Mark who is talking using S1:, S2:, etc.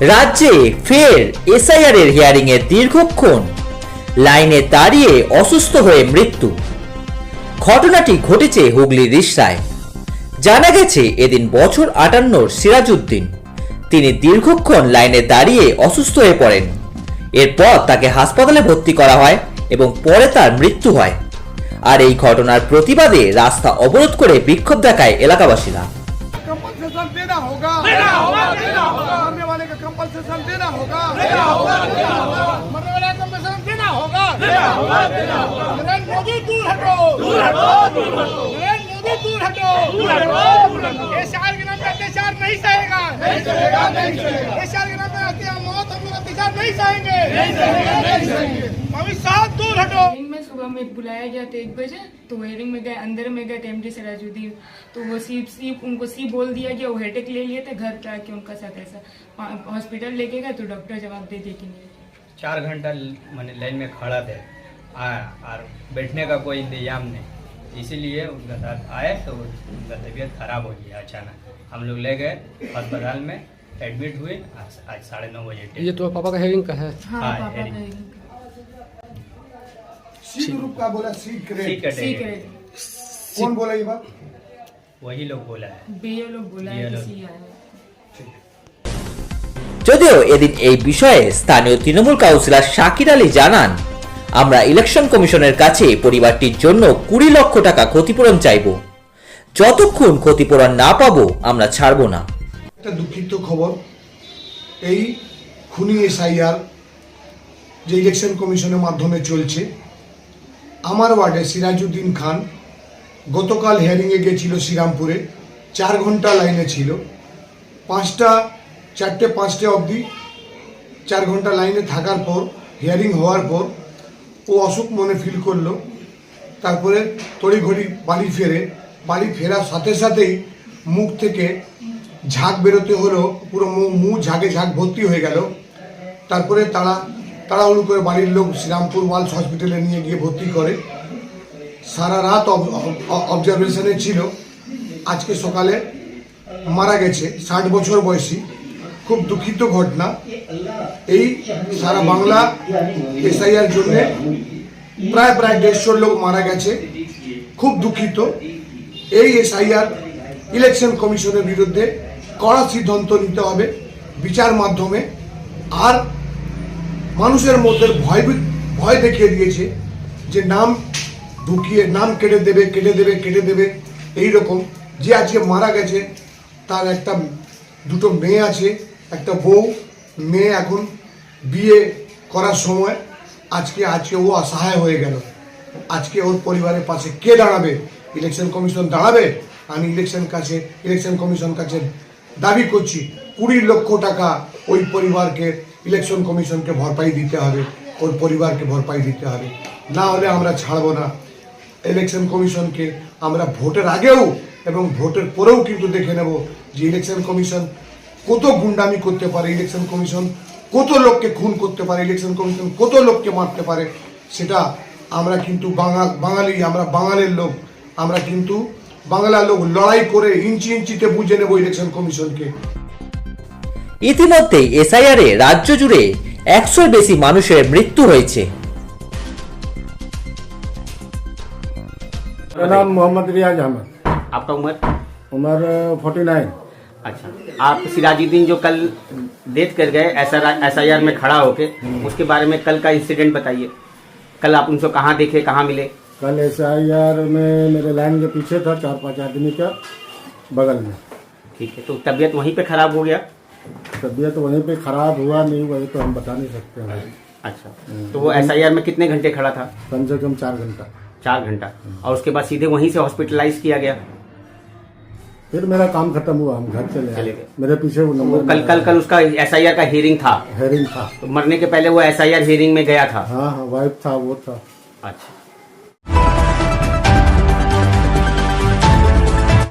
S1: রাজ্যে ফের এসআইআর এর হিয়ারিং এ দীর্ঘক্ষণ লাইনে দাঁড়িয়ে অসুস্থ হয়ে মৃত্যু। ঘটনাটি ঘটেছে হুগলির রিষড়ায়। জানা গেছে এদিন বছর 58 সিরাজউদ্দিন তিনি দীর্ঘক্ষণ লাইনে দাঁড়িয়ে অসুস্থ হয়ে পড়েন। এরপর তাকে হাসপাতালে ভর্তি করা হয় এবং পরে তার মৃত্যু হয়। আর এই ঘটনার প্রতিবাদে রাস্তা অবরোধ করে বিক্ষোভ দেখায় এলাকাবাসীরা।
S2: कंपनसेशन देना होगा, मरने वाले का कंपनसेशन देना होगा, मरने वाले का कंपनसेशन देना होगा। नरेंद्र मोदी दूर हटो, नरेंद्र मोदी दूर हटो। एसआर के नाम पे अत्याचार नहीं सहेगा, एसआर के नाम पे मौत हम लोग अत्याचार नहीं सहेंगे। अमित शाह दूर हटो।
S3: में सुबह में बुलाया गया था 1 बजे, तो हेयरिंग में गए, अंदर में गए एमडी सिराजुद्दीन, तो वो उनको सी बोल दिया गया, वो हेडेक ले लिए थे, घर पे आके उनका साथ ऐसा हॉस्पिटल लेके गए तो डॉक्टर जवाब दे कि नहीं।
S4: 4 घंटा मैंने लाइन में खड़ा थे और बैठने का कोई इंतजाम नहीं, इसीलिए उनका साथ आए तो उनका तबीयत खराब हो गया अचानक। हम लोग ले गए अस्पताल में, एडमिट हुए। आज 9:30 बजे।
S5: ये तो पापा का हेयरिंग का है।
S3: हाँ,
S4: हाँ,
S3: पापा का
S4: hearing।
S3: hearing का।
S2: सी ग्रुप का बोला, सी
S4: ठीक
S2: ग्रेड।
S3: सी
S4: है,
S3: करे
S2: कौन बोला ये बात?
S4: वही लोग बोला है।
S3: बीए लोग बोला है
S4: BLO
S3: किसी आया है।
S1: যদিও এদিন এই বিষয়ে স্থানীয় তৃণমূল কাউন্সিলর শাকির আলী জানান, আমরা ইলেকশন কমিশনের কাছে পরিবারটির জন্য 20 লক্ষ টাকা ক্ষতিপূরণ চাইব। যতক্ষণ ক্ষতিপূরণ না পাবো আমরা ছাড়ব না।
S2: একটা দুঃখিত খবর, এই খুনি এসআইআর যে ইলেকশন কমিশনের মাধ্যমে চলছে, আমার ওয়ার্ডে সিরাজউদ্দিন খান গতকাল হিয়ারিংয়ে গিয়েছিল শ্রীরামপুরে, 4 ঘন্টা লাইনে ছিল। 4টে 5টে অবধি 4 ঘন্টা লাইনে থাকার পর, হিয়ারিং হওয়ার পর ও অসুখ মনে ফিল করলো। তারপরে তড়িঘড়ি বাড়ি ফেরার সাথে সাথেই মুখ থেকে ঝাঁক বেরোতে হলো, পুরো মুখ ঝাঁকে ভর্তি হয়ে গেল। তারপরে তাড়াহুড়ো করে বাড়ির লোক শ্রীরামপুর ওয়ালস হসপিটালে নিয়ে গিয়ে ভর্তি করে। সারা রাত অবজারভেশনে ছিল। আজকে সকালে মারা গেছে, 60 বছর বয়সী। খুব দুঃখিত ঘটনা। এই সারা বাংলা এসআইআর জন্য প্রায় 150 লোক মারা গেছে। খুব দুঃখিত। এই এসআইআর ইলেকশন কমিশনের বিরুদ্ধে কড়া সিদ্ধান্ত নিতে হবে বিচার মাধ্যমে। আর মানুষের মধ্যে ভয় দেখিয়ে দিয়েছে যে নাম ঢুকিয়ে নাম কেটে দেবে এইরকম। যে আজকে মারা গেছে তার দুটো মেয়ে আছে, একটা বউ। মেয়ে এখন বিয়ে করার সময় আজকে ও অসহায় হয়ে গেল। আজকে ওর পরিবারের পাশে কে দাঁড়াবে? ইলেকশন কমিশন দাঁড়াবে। আমি ইলেকশন কমিশন কাছে দাবি করছি 20 লক্ষ টাকা ওই পরিবারকে, ইলেকশন কমিশনকে ভরপাই দিতে হবে, ওর পরিবারকে ভরপাই দিতে হবে। না হলে আমরা ছাড়বো না ইলেকশন কমিশনকে। আমরা ভোটের আগেও এবং ভোটের পরেও কিন্তু দেখে নেব যে ইলেকশন কমিশন কত গুন্ডামি করতে পারে, ইলেকশন কমিশন কত লোককে খুন করতে পারে, ইলেকশন কমিশন কত লোককে মারতে পারে। সেটা আমরা কিন্তু বাঙালি, আমরা বাঙালির লোক, আমরা কিন্তু বাংলার লোক লড়াই করে ইঞ্চিতে বুঝে নেব ইলেকশন কমিশনকে।
S1: ইতিমধ্যে এসআইআর এ রাজ্য জুড়ে 100-র বেশি মানুষের মৃত্যু হয়েছে।
S6: मेरा नाम मोहम्मद रियाज अहमद।
S4: आपका
S6: उम्र 49।
S4: अच्छा, आप सिराजुद्दीन जो कल डेथ कर गए एसआईआर में खड़ा होके, उसके बारे में कल का इंसिडेंट बताइए। कल आप उनसे कहाँ देखे, कहाँ मिले?
S6: कल एसआईआर में मेरे लाइन के पीछे था, 4-5 आदमी का बगल में।
S4: ठीक है, तो तबीयत वहीं पे खराब हो गया?
S6: तबीयत वहीं पे खराब हुआ नहीं हुआ ये तो हम बता नहीं सकते हैं।
S4: अच्छा, तो वो एसआईआर में कितने घंटे खड़ा था?
S6: कम से कम 4 घंटा।
S4: 4 घंटा। और उसके बाद सीधे वहीं से हॉस्पिटलाइज किया गया?
S6: फिर मेरा काम खत्म हुआ, हम घर चले
S4: चले
S6: गए।
S4: गए।
S6: मेरे पीछे वो नंबर
S4: कल उसका एसआईआर का हियरिंग था?
S6: हेयरिंग था।
S4: तो मरने के पहले वो एसआईआर हियरिंग में गया था?
S6: हाँ, वाइफ था, वो था।
S4: अच्छा।